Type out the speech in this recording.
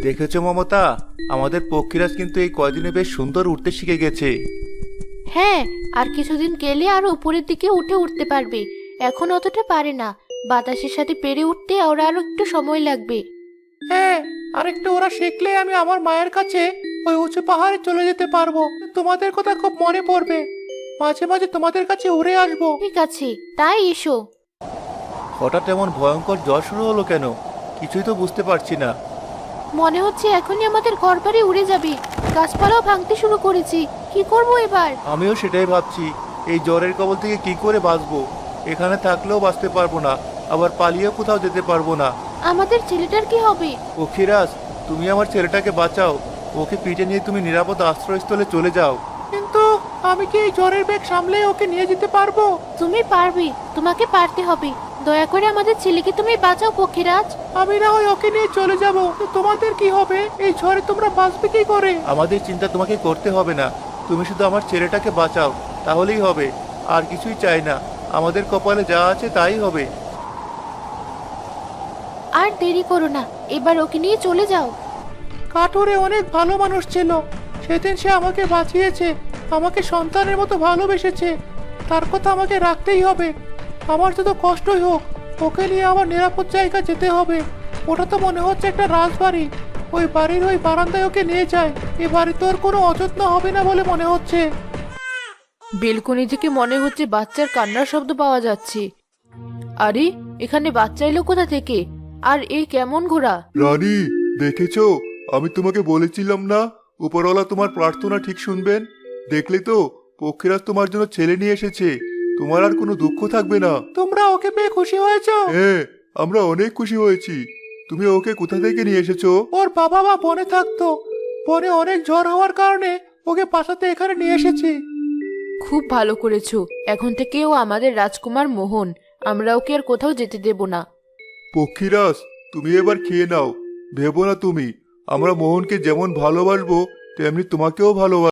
দেখেছো মমতা, আমাদের পক্ষীরাজ কিন্তু এই কয়দিনে বেশ সুন্দর উঠতে শিখে গেছে। হ্যাঁ, আর কিছুদিন গেলে আরো উপরের দিকে উঠতে পারবে। এখন অতটা পারে না। বাতাসের সাথে পেরে উঠতে ওরা আরো একটু সময় লাগবে। হ্যাঁ, আরেকটু ওরা শিখলে আমি আমার মায়ের কাছে ওই উঁচু পাহাড়ে চলে যেতে পারবো। তোমাদের কথা খুব মনে পড়বে, মাঝে মাঝে তোমাদের কাছে উড়ে আসবো। ঠিক আছে, তাই এসো। হঠাৎ এমন ভয়ঙ্কর জ্বর শুরু হলো কেন? কিছুই তো বুঝতে পারছি না। মনে হচ্ছে এখনই আমাদের ঘর বাড়ি উড়ে যাবে। গাছপালাও ভাঙতে শুরু করেছি। কি করব এবার? আমিও সেটাই ভাবছি, এই জ্বরের কবল থেকে কি করে বাঁচবো। এখানে থাকলেও বাঁচতে পারবো না, আবার পালিয়েও কোথাও যেতে পারবো না। আমাদের ছেলেটার কি হবে? পক্ষীরাজ, তুমি আমার ছেলেটাকে বাঁচাও। ওকে পিঠে নিয়ে তুমি নিরাপদ আশ্রয়স্থলে চলে যাও। কিন্তু আমি কি এই জ্বরের বেগ সামলে ওকে নিয়ে যেতে পারবো? তুমি পারবে, তোমাকে পারতে হবে। দয়া করে আমাদের ছেলেকে তুমি বাঁচাও পক্ষীরাজ। আমি না হয় ওকে নিয়ে চলে যাব, তোমাদের কি হবে? এই ঝড়ে তোমরা বাঁচবে কি করে? আমাদের চিন্তা তোমাকে করতে হবে না, তুমি শুধু আমার ছেলেটাকে বাঁচাও, তাহলেই হবে। আর কিছুই চাই না, আমাদের কপালে যা আছে তাই হবে। আর দেরি করো না, এবার ওকে নিয়ে চলে যাও। কাঠুরে অনেক ভালো মানুষ ছিল, সেদিন সে আমাকে বাঁচিয়েছে, আমাকে সন্তানের মতো ভালোবেসেছে। তার কথা আমাকে রাখতেই হবে। আমার যত কষ্টই হোক, ওকে নিয়ে আমার নিরাপদ জায়গা যেতে হবে। ওটা তো মনে হচ্ছে একটা রাজবাড়ি। ওই বাড়ির ওই বারান্দায় ওকে নিয়ে যায়। এ বাড়িতে ওর কোনো অযত্ন হবে না বলে মনে হচ্ছে। বেলকনি থেকে মনে হচ্ছে বাচ্চার কান্নার শব্দ পাওয়া যাচ্ছে। আরে, এখানে বাচ্চা এলো কোথা থেকে? আর এই কেমন ঘোড়া? রানী, দেখেছো? আমি তোমাকে বলেছিলাম না উপরওয়ালা তোমার প্রার্থনা ঠিক শুনবেন। দেখলে তো, পক্ষীরাজ তোমার জন্য ছেলে নিয়ে এসেছে। তোমার আর কোনো দুঃখ থাকবে না। তোমরা ওকে পেয়ে খুশি হয়েছো? হ্যাঁ, আমরা অনেক খুশি হয়েছি। তুমি ওকে কোথা থেকে নিয়ে এসেছো? ওর বাবা মা বনে থাকতো, বনে অনেক ঝড় হওয়ার কারণে ওকে বাঁচাতে এখানে নিয়ে এসেছি। খুব ভালো করেছো। এখন থেকে ও আমাদের রাজকুমার মোহন। আমরা ওকে আর কোথাও যেতে দেব না। পক্ষীরাজ, তুমি এবার খেয়ে নাও। ভেবো না তুমি, আমরা মোহনকে যেমন ভালোবাসবো তেমনি তোমাকেও ভালোবাসবো।